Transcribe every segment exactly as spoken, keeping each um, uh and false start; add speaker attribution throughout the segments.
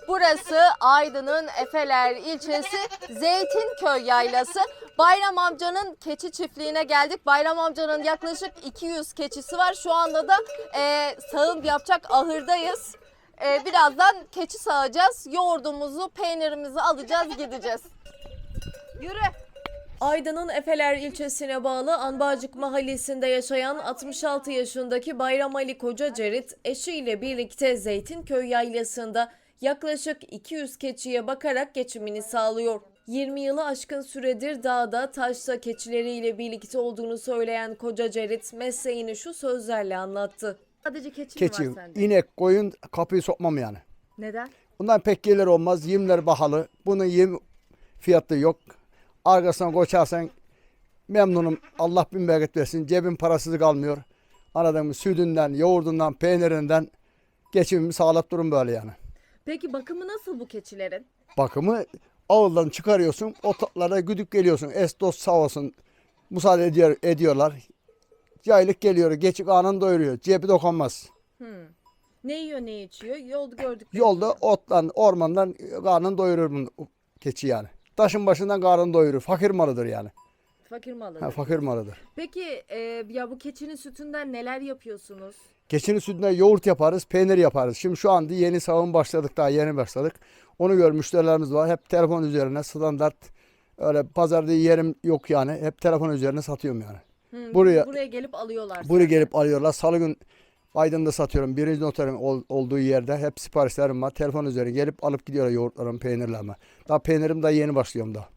Speaker 1: Burası Aydın'ın Efeler ilçesi Zeytinköy Yaylası. Bayram amcanın keçi çiftliğine geldik. Bayram amcanın yaklaşık iki yüz keçisi var. Şu anda da e, sağım yapacak ahırdayız. E, birazdan keçi sağacağız. Yoğurdumuzu, peynirimizi alacağız, gideceğiz. Yürü. Aydın'ın Efeler ilçesine bağlı Anbacık mahallesinde yaşayan altmış altı yaşındaki Bayram Ali Kocacerit eşiyle birlikte Zeytinköy Yaylası'nda yaklaşık iki yüz keçiye bakarak geçimini sağlıyor. yirmi yılı aşkın süredir dağda, taşta keçileriyle birlikte olduğunu söyleyen Kocacerit mesleğini şu sözlerle anlattı. Sadece keçi,
Speaker 2: Keçi,
Speaker 1: mi var sende?
Speaker 2: inek, koyun kapıyı sokmam yani.
Speaker 1: Neden?
Speaker 2: Bundan pek gelir olmaz. Yemler pahalı. Bunun yem fiyatı yok. Arkasına koçarsan memnunum. Allah bin bereket versin. Cebim parasız kalmıyor. Anladın mı? Sütünden, yoğurdundan, peynirinden geçimimi sağlayıp durum böyle yani.
Speaker 1: Peki bakımı nasıl bu keçilerin?
Speaker 2: Bakımı ağıldan çıkarıyorsun. Otlara güdük geliyorsun. Es dost sağ olsun. Müsaade ediyor, ediyorlar. Yaylık geliyor. Geçik anını doyuruyor. Cebi dokunmaz.
Speaker 1: Hmm. Ne yiyor, ne içiyor? Yolda gördük.
Speaker 2: Yolda ottan, ormandan karnını doyurur bu keçi yani. Taşın başından karnını doyurur. Fakir malıdır yani.
Speaker 1: Fakir malı.
Speaker 2: Ha, fakir malıdır.
Speaker 1: Peki e, ya bu keçinin sütünden neler yapıyorsunuz?
Speaker 2: Keçinin sütünden yoğurt yaparız, peynir yaparız. Şimdi şu anda yeni sağım başladık, daha yeni başladık. Onu gör müşterilerimiz var. Hep telefon üzerine standart. Öyle pazarda yerim yok yani. Hep telefon üzerine satıyorum yani.
Speaker 1: Hmm,
Speaker 2: Buraya
Speaker 1: buraya gelip alıyorlar.
Speaker 2: buraya
Speaker 1: senden.
Speaker 2: gelip alıyorlar. Salı gün Aydın'da satıyorum. Birinci noterin ol- olduğu yerde hep siparişlerim var. Telefon üzerine gelip alıp gidiyorlar yoğurtlarımı, peynirlerimi. Daha peynirim daha yeni başlıyorum daha.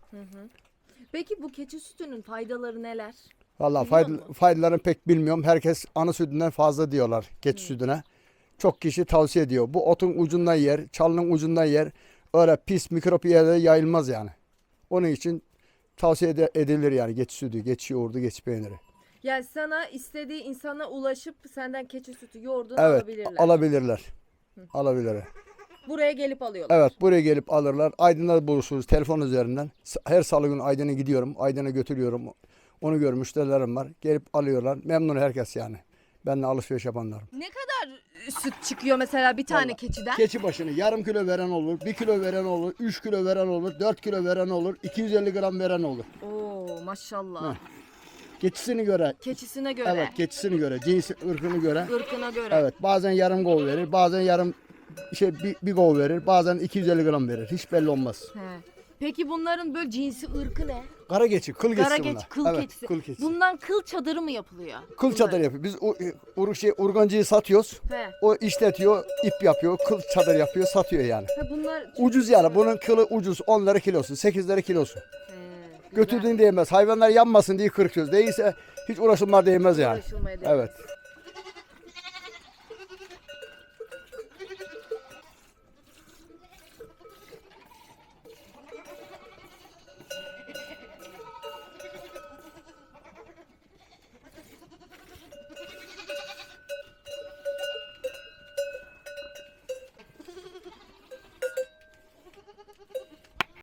Speaker 1: Peki bu keçi sütünün faydaları neler?
Speaker 2: Vallahi
Speaker 1: Biliyor
Speaker 2: fayda,
Speaker 1: musun?
Speaker 2: faydalarını pek bilmiyorum. Herkes ana sütünden fazla diyorlar keçi sütüne. Çok kişi tavsiye ediyor. Bu otun ucundan yer, çalının ucundan yer. Öyle pis mikrop yerlere yayılmaz yani. Onun için tavsiye ede- edilir yani keçi sütü, keçi yoğurdu, keçi peyniri.
Speaker 1: Yani sana istediği insana ulaşıp senden keçi sütü yoğurdunu
Speaker 2: Evet,
Speaker 1: alabilirler.
Speaker 2: alabilirler. Alabilirler.
Speaker 1: Buraya gelip alıyorlar.
Speaker 2: Evet, buraya gelip alırlar. Aydın'da buluşuruz telefon üzerinden. S- Her salı günü Aydın'a gidiyorum. Aydın'a götürüyorum. Onu görmüş müşterilerim var. Gelip alıyorlar. Memnun herkes yani. Benimle alışveriş yapanlar.
Speaker 1: Ne kadar süt çıkıyor mesela bir tane
Speaker 2: Vallahi
Speaker 1: keçiden?
Speaker 2: Keçi başını yarım kilo veren olur, bir kilo veren olur, üç kilo veren olur, dört kilo veren olur, iki yüz elli gram veren olur.
Speaker 1: Oo maşallah.
Speaker 2: Heh. Keçisini göre,
Speaker 1: Keçisine göre,
Speaker 2: evet keçisini göre, cinsi, ırkını göre.
Speaker 1: ırkına göre.
Speaker 2: Evet bazen yarım kol verir, bazen yarım şey bir, bir kol verir, bazen iki yüz elli gram verir. Hiç belli olmaz.
Speaker 1: He. Peki bunların böyle cinsi ırkı ne?
Speaker 2: Kara keçi, kıl keçisi
Speaker 1: Kara
Speaker 2: bunlar.
Speaker 1: keçi, kıl
Speaker 2: evet,
Speaker 1: keçisi.
Speaker 2: Kıl keçisi.
Speaker 1: Bundan kıl çadırı mı yapılıyor?
Speaker 2: Kıl çadır yapıyor. Biz o, ur, şey, urgancıyı satıyoruz.
Speaker 1: He.
Speaker 2: O işletiyor, ip yapıyor, kıl çadır yapıyor, satıyor yani.
Speaker 1: Ha, bunlar
Speaker 2: Ucuz yani. Bunun kılı ucuz. on lira kilosu, sekiz lira kilosu.
Speaker 1: He, güzel.
Speaker 2: Götürdüğün değmez. Hayvanlar yanmasın diye kırkıyoruz. Değilse hiç uğraşılmaz değmez yani.
Speaker 1: Uğraşılmaya değmez.
Speaker 2: Evet.